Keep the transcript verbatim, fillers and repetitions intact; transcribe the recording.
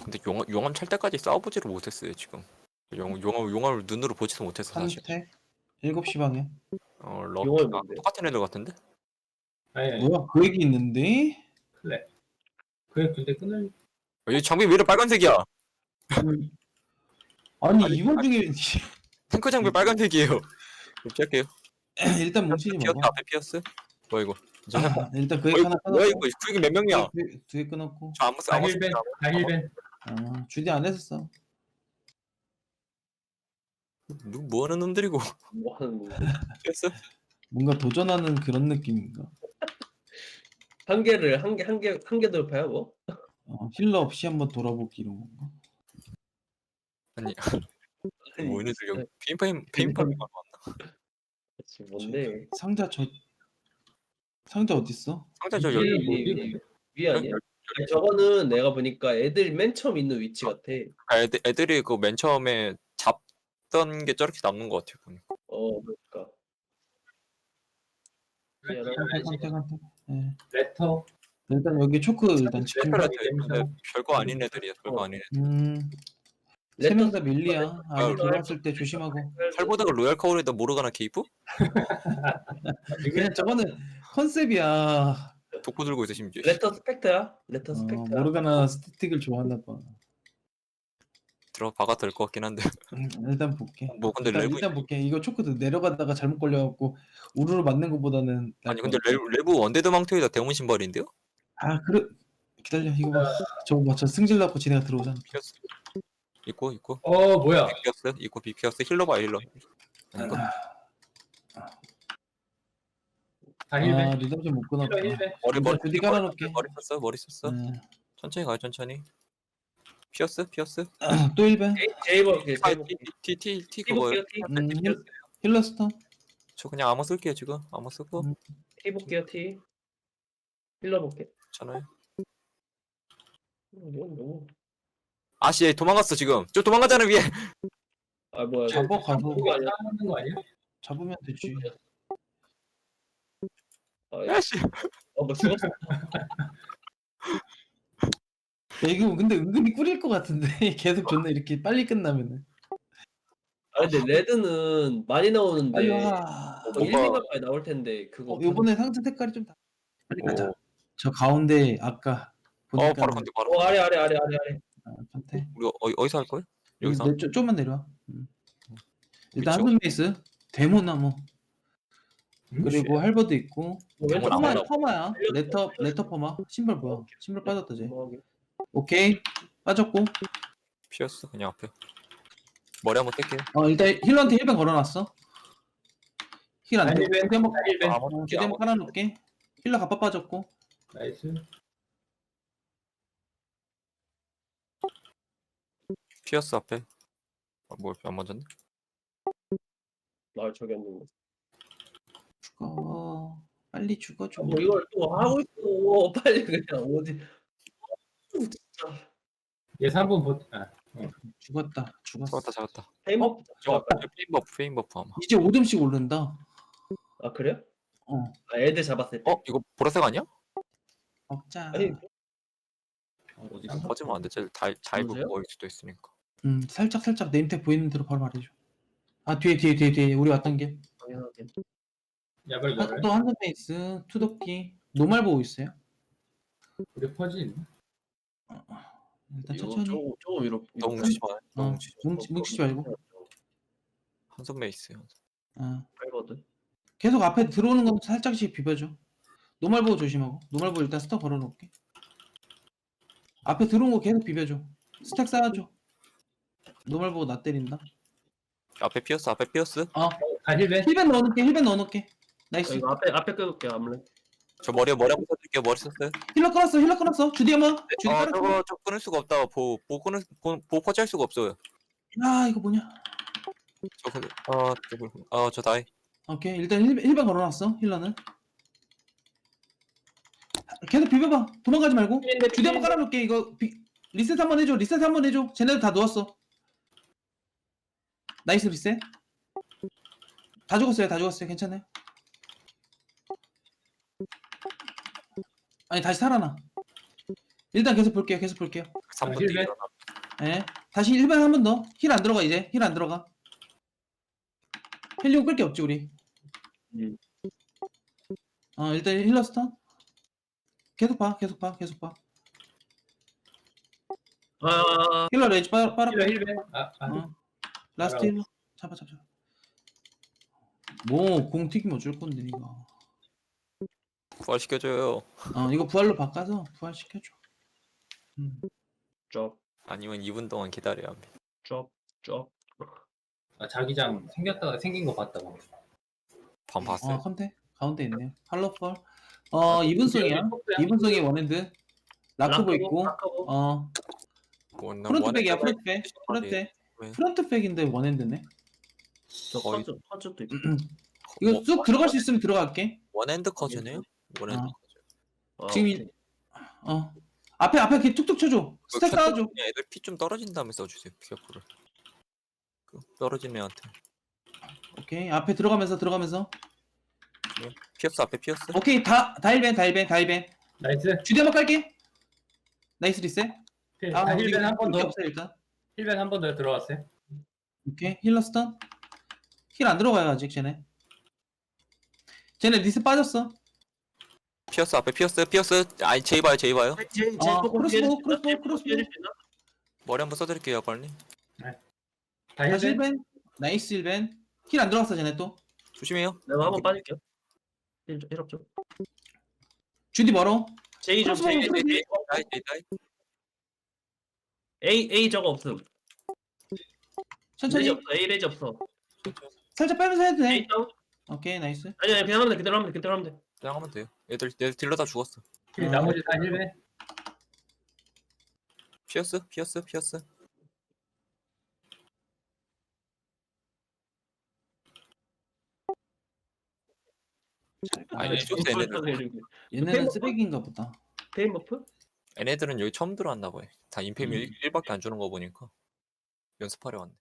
근데 용암, 용암 찰 때까지 싸워보지를 못했어요 지금. 용, 용암, 용암을 눈으로 보지도 못했어 사실. 한택 일곱 시 방에. 어 럭, 용암이 아, 뭔데? 똑같은 애들 같은데? 아니, 아니, 뭐야 그 얘기 있는데? 클레. 그래, 근데 끊을. 어, 이 장비 왜 이렇게 빨간색이야? 아니 아니, 이 와중에 탱크 장비 빨간색이에요. 시작해요. 일단 뭉치지 피어스 마봐. 앞에 피어스. 뭐야 이거? 이제 할 거. 일단 그 어, 얘기 이거 하나 뭐야 끊었고. 이거? 구익이 몇 명이야? 두 개 끊었고. 저 아무 쓰 아무 쓰 다힐벤, 다힐벤. 아 주디 안 했었어. 누구 뭐 하는 놈들이고? 뭐 하는 건데? 피어스? 뭔가 도전하는 그런 느낌인가? 한 개를 한 개 한 개 한 개 돌파야 뭐? 어, 힐러 없이 한번 돌아보기 이런 건가? 아니 아니, 뭐 얘네들 여기 페인파임 페인파임 왔나? 그치, 뭔데? 상자 저 상자 어딨어? 상자 저 이게 여기 뭐지, 위, 근데? 위 아니야? 아니, 저거는 내가 보니까 애들 맨 처음 있는 위치 같아. 아, 애들 애들이 그 맨 처음에 잡던 게 저렇게 남는 것 같아 보니까. 어, 그러니까. 한택 한택 한택. 예. 레터. 일단 여기 초크 일단 집중. 레터라 좀- 근데 별거 아닌 애들이야. 별거 아닌 애들. 음. 세 명 다 밀리야. 아 아, 들어왔을 때 조심하고. 팔보다가 로얄 카울에다 모르가나 케이프? 그냥 저거는 컨셉이야. 독보 들고 있어 심지어. 레터 스펙터야? 레터 어, 스펙터야? 모르가나 스태틱을 좋아하나 봐. 들어 박아 될 것 같긴 한데. 음, 일단 볼게. 뭐 근데 일단, 레브 일단 볼게. 이거 초크도 내려가다가 잘못 걸려갖고 우르르 맞는 것보다는 나을 아니 것 근데 같아. 레브, 레브 원데드 망토에다 대문 신발인데요? 아 그래 기다려 이거 봐. 저거 봐. 저 승질 낳고 지네가 들어오잖아. 피어스. 있고 있고. 어, 뭐야. 비피어스 있고 비피어스 힐러 봐 힐러. 아닌가? 다힐벤. 아 리듬 못 끊었다. 힐러 힐벤. 머리 머리 주디 깔아놓을게. 머리 썼어 머리 썼어. 네. 천천히 가요 천천히. 피어스 피어스. 또 일 벤. 제이버 게 아, 제이버 T T T T 티 그거요. 볼게요 티. 음, 힐, 힐러 스턴. 저 그냥 아무 쓸게요 지금 아무 쓰고 음. 티 볼게요 티. 힐러 볼게. 괜찮아요. 뭐 너무. 아씨 얘 도망갔어 지금. 저 도망가잖아 위에. 아 뭐야? 잡아 가서 그거 아니야? 싸우는 거 아니야? 잡으면 되지. 아, 야씨. 어뭐 죽었어? 야, 이거 근데 은근히 꿀일 것 같은데 계속 존나 이렇게 빨리 끝나면은. 아 근데 레드는 많이 나오는데 빨리 와. 뭐 일, 이만까지 나올 텐데 그거 어, 요번에 상자 색깔이 좀 다. 빨리 가자. 오. 저 가운데 아까 보니까 어 바로 건데 바로. 어 아래 아래 아래 아래 아래. 아, 판테. 우리 어, 어디서 할 거예요? 여기 여기서? 내, 좀, 좀만 내려와. 음. 일단 위치요? 한눈 베이스, 데모나무, 그리고 할버드 있고, 뭐 왼쪽 아무나 퍼마, 아무나. 퍼마야. 레터, 레터 퍼마. 신발 뭐야? 신발 빠졌다, 쟤. 뭐 오케이. 빠졌고. 피어스 그냥 앞에. 머리 한번 뗄게요. 어, 일단 힐러한테 힐벤 걸어놨어. 힐 안 돼. 다힐벤. 주디 한번, 다힐벤. 아무 어, 주디 한번 깔아놓을게. 힐러 갑바 빠졌고. 나이스. 피어스 앞에. 아, 뭐안 맞았네? 나 저기 앉는 죽어. 빨리 죽어줘. 뭐 이걸 또 하고 있어. 빨리 그냥 어디. 얘 삼 분 보, 아, 죽었다. 죽었어. 잡았다 잡았다. 페인버. 저 페인 버프 페인 버프 아마. 이제 오 점씩 오른다. 아 그래요? 어. 아 애들 잡았을 때. 어 이거 보라색 아니야? 먹자. 아니 어디 꺼지면 안 돼. 잘잘 누구세요? 보일 수도 있으니까. 음, 살짝 살짝 네임택 보이는 대로 바로 말해줘. 아 뒤에 뒤에 뒤에 뒤에 우리 왔던 게. 당연하게. 야발 한, 야발. 또 한선 베이스, 투도끼, 노말 보고 있어요. 우리 퍼지 있나? 일단 이거 천천히. 저거 저거 위로. 너무 뭉치지 마. 너무 어, 뭉치지 뭉치, 뭉치지 말고. 한손 메이스. 어. 팔거든. 계속 앞에 들어오는 건 살짝씩 비벼줘. 노말 보고 조심하고. 노말 보고 일단 스톱 걸어놓을게. 앞에 들어온 거 계속 비벼줘. 스택 쌓아줘. 노말 보고 나 때린다. 앞에 피어스 앞에 피어스. 어. 다힐벤. 힐벤 넣어놓을게. 힐벤 넣어놓을게. 아, 나이스. 이거 앞에 앞에 끌을게 아무래. 저 머리에 머리 한번 써줄게요. 머리 썼어요. 힐러 끊었어. 힐러 끊었어. 주디 한번. 주디 아 깔았어. 저거 저 끊을 수가 없다. 보 보 끊을 보, 보 퍼치할 수가 없어요. 아 이거 뭐냐. 저 근데 아 저거 아저 다이. 오케이 일단 힐, 힐벤 걸어놨어. 힐러는. 계속 비벼봐. 도망가지 말고. 주디 한번 깔아놓을게. 이거 비, 리셋 한번 해줘. 리셋 한번 해줘. 쟤네들 다 누웠어. 나이스 리셋. 다 죽었어요. 다 죽었어요. 괜찮아요. 아니 다시 살아나. 일단 계속 볼게요. 계속 볼게요. 삼 분 힐맨? 뒤에 일어나. 예. 다시 일 번 한 번 더. 힐 안 들어가 이제. 힐 안 들어가. 헬리오 끌 게 없지 우리. 음. 어 일단 힐러 스턴. 계속 봐. 계속 봐. 계속 봐. 아, 힐러 레이지 빨 빨아. 힐러 힐벤. 아, 아. 어. 라스트 힐러. 잡아 잡아. 잡아. 뭐공 튀기면 어쩔 건데 이거. 부활시켜줘요. 어 이거 부활로 바꿔서 부활 시켜줘. 음. 쪽, 아니면 이 분 동안 기다려야 합니다. 쪽, 쪽. 아, 자기장 생겼다가 생긴 거 봤다 방. 반 봤어요. 어 컨테 가운데 있네요. 할로펄. 어 이분송이야. 아, 이분송이 원핸드. 라크보 있고. 라크보. 어 원- 프론트백이야 원에 프론트백. 프론트. 왜? 프론트백인데 원핸드네. 저 거의- 퍼즈, 퍼즈도 있고. 이거 뭐, 쭉 들어갈 수 있으면 들어갈게. 원핸드 커즈네요? 원핸드 어. 커즈. 아, 지금 이- 오케이. 어 앞에 앞에 이렇게 툭툭 쳐줘. 스택 그 쌓아줘. 그냥 애들 피 좀 떨어진 다음에 써주세요. 피어프를. 그 떨어진 애한테. 오케이 앞에 들어가면서 들어가면서. 피어스 앞에 피어스. 오케이 다 다일벤 다일벤 다일벤. 나이스. 주디 한번 깔게. 나이스 리셋. 힐- 아 아, 우리 힐벤 한 번 게 더. 없어 일단. 힐벤 한 번 더 들어왔어요. 오케이 힐러 스턴. 힐 안 들어가요 아직 쟤네. 쟤네 리셋 빠졌어. 피어스 앞에 피어스 피어스. 아니 제이 봐요 제이 봐요. 제, 제 아, 조금 크로스보우, 피해줄 수 있나? 크로스보우, 제 크로스보우. 피해줄 수 있나? 머리 한번 써드릴게요 빨리. 다 다시 힐벤. 힐벤. 나이스 힐벤. 힐 안 들어갔어 쟤네 또. 조심해요. 내가 한번 빠질게요. 일, 일업 좀. 주디 멀어. 제이 좀, 제이, 크로스보우, 제이, 다이 다이 다이. A, A 저거 없음. 천천히. 레지 없어, A 레지 없어. 살짝 빼면서 해도 돼. A 다운? 오케이 나이스. 아니, 아니, 그냥 하면 돼, 그대로 하면 돼, 그대로 하면 돼. 그냥 하면 돼요. 얘들 얘들 딜러 다 죽었어. 힐- 나머지 다 힐벤. 피어스 피어스 피어스. 아니 네, 좋대 얘네들. 얘네는 쓰레기인가 보다. 페인버프? 얘네들은 여기 처음 들어왔나 봐요. 다 인페미 음. 일 밖에 안 주는 거 보니까 연습하려 왔네.